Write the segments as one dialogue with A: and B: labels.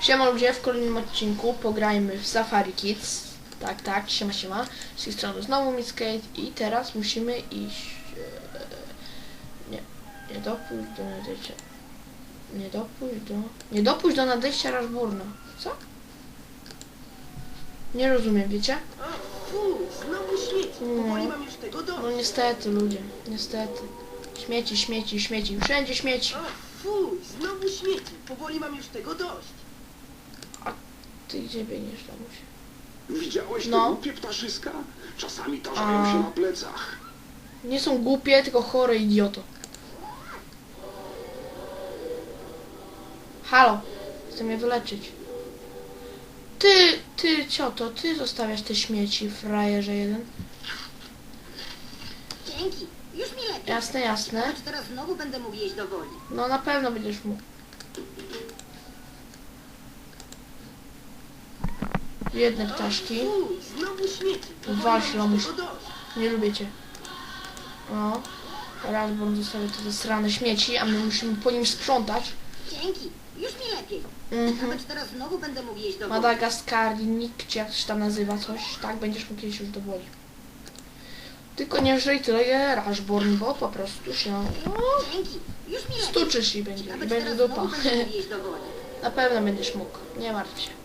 A: Siema ludzie, w kolejnym odcinku pograjmy w Safari Kids. Tak, tak, siema, siema. Z tej strony znowu Miskate i teraz musimy iść... Nie dopuść do nadejścia... Nie dopuść do nadejścia Rashburna. Co? Nie rozumiem, wiecie?
B: Znowu śmieci. Powoli mam już tego dość.
A: No niestety ludzie, niestety. Śmieci, śmieci, śmieci, wszędzie śmieci.
B: Fuj, znowu śmieci. Powoli mam już tego dość.
A: Ty gdzie biegniesz, lamusie?
C: Widziałeś te
A: No.
C: głupie ptaszyska? Czasami tarzają się na plecach.
A: Nie są głupie, tylko chore idioto. Halo, chcę mnie wyleczyć. Ty, cioto, ty zostawiasz te śmieci, frajerze jeden.
D: Dzięki. Już mi lepiej.
A: Jasne, jasne.
D: Choć teraz znowu będę mógł jeść do woli.
A: No na pewno będziesz mógł. Jedne ptaszki.
B: Fuj, znowu śmieci. Powoli
A: Wasz
B: mam
A: lamuś.
B: już tego dość.
A: Nie lubię cię. No. Rashburn zostawia te zasrane śmieci, a my musimy po nim sprzątać.
D: Dzięki. Już mi lepiej. Choć teraz znowu będę mógł jeść do woli.
A: Madagaskarnik, czy jak się tam nazywa coś, tak będziesz mógł jeść już do woli. Tylko nie żyj tyle je Rashburn, bo po prostu się
D: Dzięki. Już mi lepiej.
A: stuczysz i będzie
D: Choć
A: dupa.
D: teraz znowu będę mógł jeść do woli.
A: Na pewno będziesz mógł, nie martw się.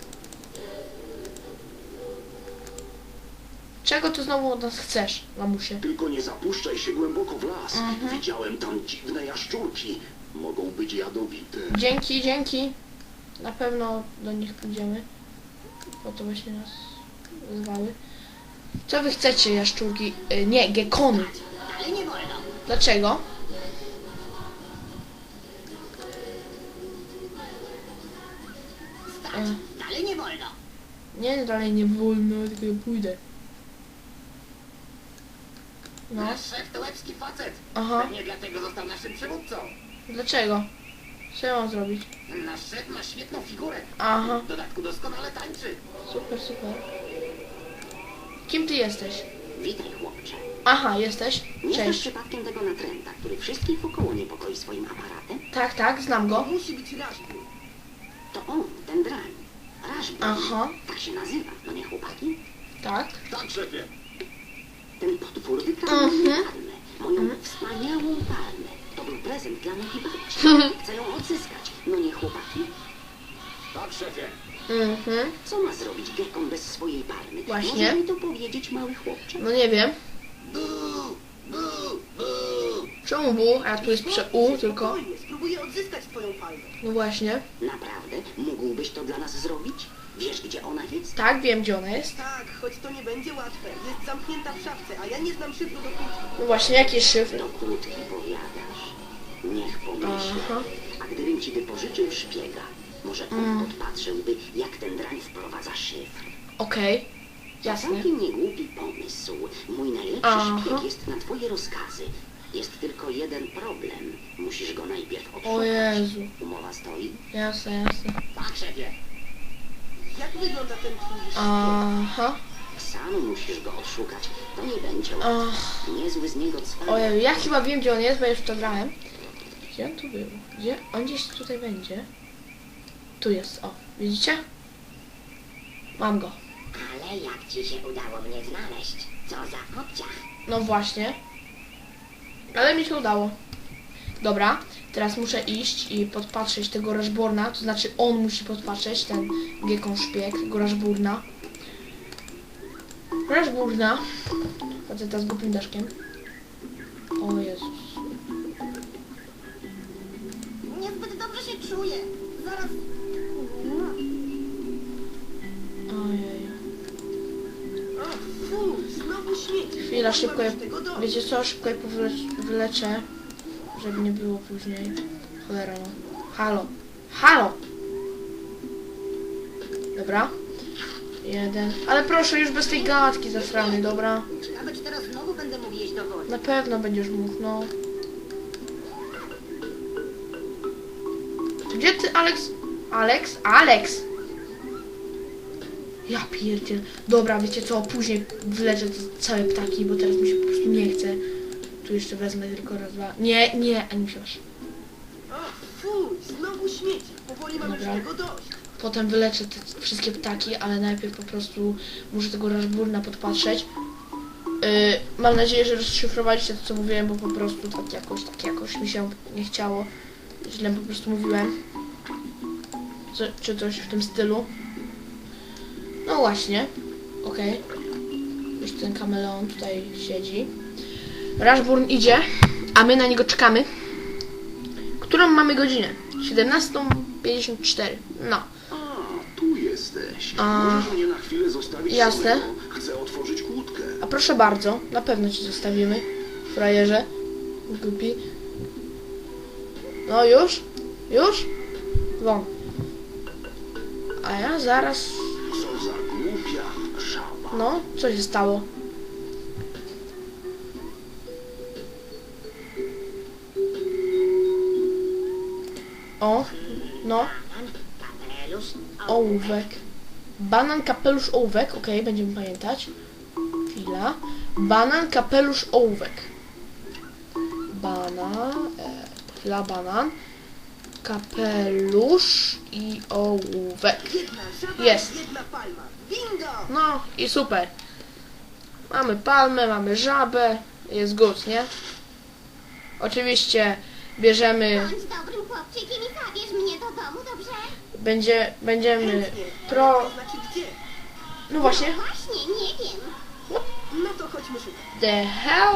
A: Czego ty znowu od nas chcesz, lamusie?
C: Tylko nie zapuszczaj się głęboko w las. Widziałem tam dziwne jaszczurki. Mogą być jadowite.
A: Dzięki, dzięki. Na pewno do nich pójdziemy. Bo to właśnie nas zwały. Co wy chcecie, jaszczurki? Nie, gekony.
D: Ale nie wolno.
A: Dlaczego?
D: Stać. Ale nie wolno.
A: Nie, dalej nie wolno, tylko ja pójdę. No,
E: Nasz szef to łebski facet.
A: aha.
E: Pewnie dlatego został naszym przywódcą.
A: Dlaczego? Co ja mam zrobić?
E: Nasz szef ma świetną figurę.
A: Aha,
E: W dodatku doskonale tańczy.
A: super, super. Kim ty jesteś?
F: Witaj, chłopcze.
A: Aha, jesteś?
F: Nie znasz
A: Cześć.
F: przypadkiem tego natręta, który wszystkich wokoło niepokoi swoim aparatem?
A: Tak, tak, znam go.
B: Musi być Rashburn.
F: To on, ten drań. Rashburn.
A: Aha.
F: Tak się nazywa, no nie chłopaki?
A: Tak.
E: Tak, szefie.
F: Ten potwór wykradł moją palmę. Moją wspaniałą palmę. To był prezent dla mojej babci. Chcę ją odzyskać, no nie chłopaki?
E: Tak, szefie.
F: Co ma zrobić Gekon bez swojej palmy?
A: Właśnie.
F: Możesz mi to powiedzieć, mały chłopcze?
A: No nie wiem.
E: Bu, bu, bu.
A: Czemu bu? A tu jest U tylko.
B: Spokojnie, spróbuję odzyskać twoją palmę.
A: No właśnie.
F: Naprawdę? Mógłbyś to dla nas zrobić? Wiesz, gdzie ona jest?
A: Tak, wiem gdzie ona jest.
B: Tak, choć to nie będzie łatwe. Jest zamknięta w szafce, a ja nie znam szyfru do kłótni.
A: No właśnie, jaki jest szyfr?
F: Do kłódki powiadasz. Niech pomyślę.
A: Aha.
F: A gdybym ci wypożyczył szpiega, może on podpatrzyłby, jak ten drań wprowadza szyfr.
A: Okej.
F: To
A: Jasne.
F: całkiem niegłupi pomysł. Mój najlepszy
A: Aha.
F: szpieg jest na twoje rozkazy. Jest tylko jeden problem. Musisz go najpierw odszukać.
A: O Jezu.
F: Umowa stoi?
A: Jasne, jasne.
E: Tak, szefie.
B: Jak wygląda ten twój szpieg?
A: Aha.
F: Sam musisz go odszukać. To nie będzie łatwe.
A: Ach.
F: Niezły z niego cwan.
A: Ojej, ja chyba wiem gdzie on jest, bo już to grałem. Gdzie on tu był? Gdzie? On gdzieś tutaj będzie. Tu jest, o. Widzicie? Mam go.
D: Ale jak ci się udało mnie znaleźć? Co za obciach.
A: No właśnie. Ale mi się udało. Dobra, teraz muszę iść i podpatrzeć tego Rashburna. To znaczy on musi podpatrzeć, ten Gekon szpieg, tego Rashburna. Rashburna. Faceta z głupim daszkiem. O Jezus.
D: Niezbyt dobrze się czuję. Zaraz...
A: Ojej.
B: Fuj, znowu śmieci.
A: Chwila,
B: Powoli
A: szybko
B: mam
A: je...
B: już tego dość.
A: Wiecie co? Szybko je wyleczę. Żeby nie było później. Cholera no. Halo. Halo! Dobra. Jeden. Ale proszę, już bez tej gadki zasrany, dobra?
D: Ciekawe, czy teraz znowu będę mógł jeść do woli.
A: Na pewno będziesz mógł, no. Gdzie ty, Alex? Alex? Alex! Ja pierdziel. Dobra, wiecie co? Później wyleczę te całe ptaki, bo teraz mi się po prostu nie chce. Tu jeszcze wezmę tylko raz, dwa. Nie, nie, ani się.
B: Fuj, znowu śmieci. Powoli mam już
A: Dobra.
B: tego dość.
A: potem wyleczę te wszystkie ptaki, ale najpierw po prostu muszę tego Rashburna podpatrzeć. Mam nadzieję, że rozszyfrowaliście to, co mówiłem, bo po prostu tak jakoś mi się nie chciało. Źle po prostu mówiłem. Czy coś w tym stylu. No właśnie. Okej. Już ten kameleon tutaj siedzi. Rashburn idzie, a my na niego czekamy. Którą mamy godzinę? 17:54. No.
C: A, tu jesteś.
A: A,
C: Możesz mnie na chwilę zostawić
A: jasne.
C: samego? Chcę otworzyć kłódkę.
A: A proszę bardzo, na pewno ci zostawimy, frajerze. Głupi. No już? Już? Won. A ja zaraz...
C: Co za głupia żaba.
A: No, co się stało? O, no,
D: Kapelusz,
A: ołówek. Banan, kapelusz, ołówek. Okej, będziemy pamiętać. Chwila. Banan, kapelusz, ołówek. Chwila, banan. Kapelusz i ołówek.
B: Jedna żaba,
A: Jest.
B: jedna palma. Bingo!
A: No i super. Mamy palmę, mamy żabę. Jest good, nie? Oczywiście bierzemy...
D: bądź dobrym chłopczykiem i zabierz mnie do domu, dobrze?
A: Będziemy
B: Chętnie.
A: pro...
B: To znaczy gdzie?
A: No właśnie.
D: Właśnie, nie wiem.
B: No to chodźmy szukać.
A: The hell?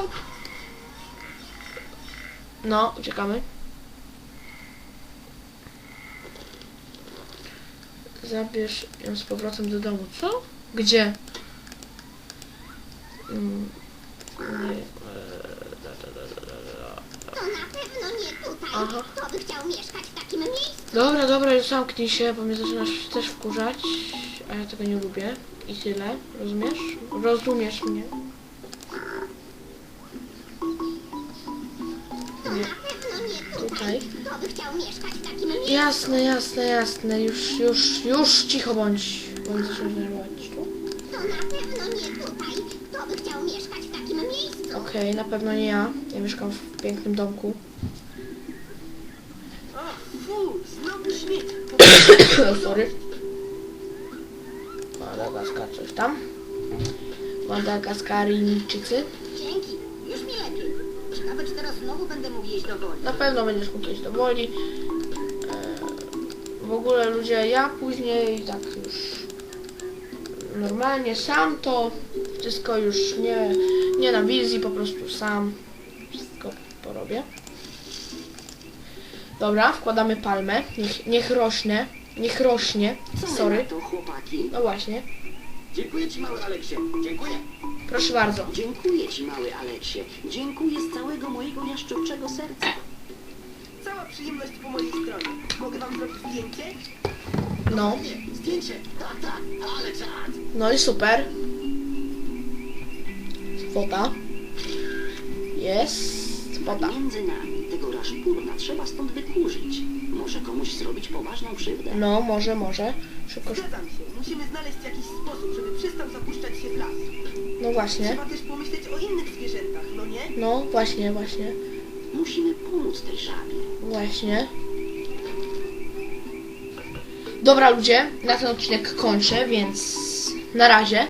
A: No, uciekamy. Zabierz ją z powrotem do domu. Co? Gdzie? Nie.
D: To na pewno nie tutaj.
A: Aha.
D: Kto by chciał mieszkać w takim miejscu?
A: Dobra, już zamknij się, bo mnie zaczynasz też wkurzać. A ja tego nie lubię. I tyle. Rozumiesz? Rozumiesz mnie?
D: To na pewno nie tutaj.
A: Tutaj.
D: Kto by chciał mieszkać w takim miejscu?
A: Jasne. Już cicho bądź. Bo mnie zaczynasz denerwować. Tu?
D: To na pewno nie tutaj. Kto by chciał mieszkać w takim miejscu?
A: Okej, na pewno nie ja. Ja mieszkam w pięknym domku.
B: O, fu, znowu śmieć.
A: Sorry. Madagaskar, coś tam. Madagaskaryjczycy.
D: Dzięki. Już mi lepiej. Ciekawe, czy teraz znowu będę mógł jeść do woli.
A: Na pewno będziesz mógł iść do woli. W ogóle ludzie, ja później tak już normalnie sam to wszystko już nie na wizji, po prostu sam wszystko porobię. Dobra, wkładamy palmę. Niech rośnie. Niech rośnie.
F: Co wy
A: Sorry.
F: na to, chłopaki?
A: No właśnie.
E: Dziękuję ci, mały Aleksie. Dziękuję.
A: Proszę bardzo.
F: Dziękuję ci, mały Aleksie. Dziękuję z całego mojego jaszczurczego serca.
B: Cała przyjemność po mojej stronie. Mogę wam zrobić zdjęcie?
A: No.
E: Nie, zdjęcie. Tak, ale czad.
A: No i super. Fota. Jest. Fota.
F: Między nami tego Rashburna trzeba stąd wykurzyć. Może komuś zrobić poważną krzywdę.
A: No, może. Szybko.
B: Zgadzam się. Musimy znaleźć jakiś sposób, żeby przestał zapuszczać się w las.
A: No właśnie.
B: Trzeba też pomyśleć o innych zwierzętach, no nie?
A: No, właśnie.
F: Musimy pomóc tej żabie.
A: Właśnie. Dobra ludzie, na ten odcinek kończę, więc na razie.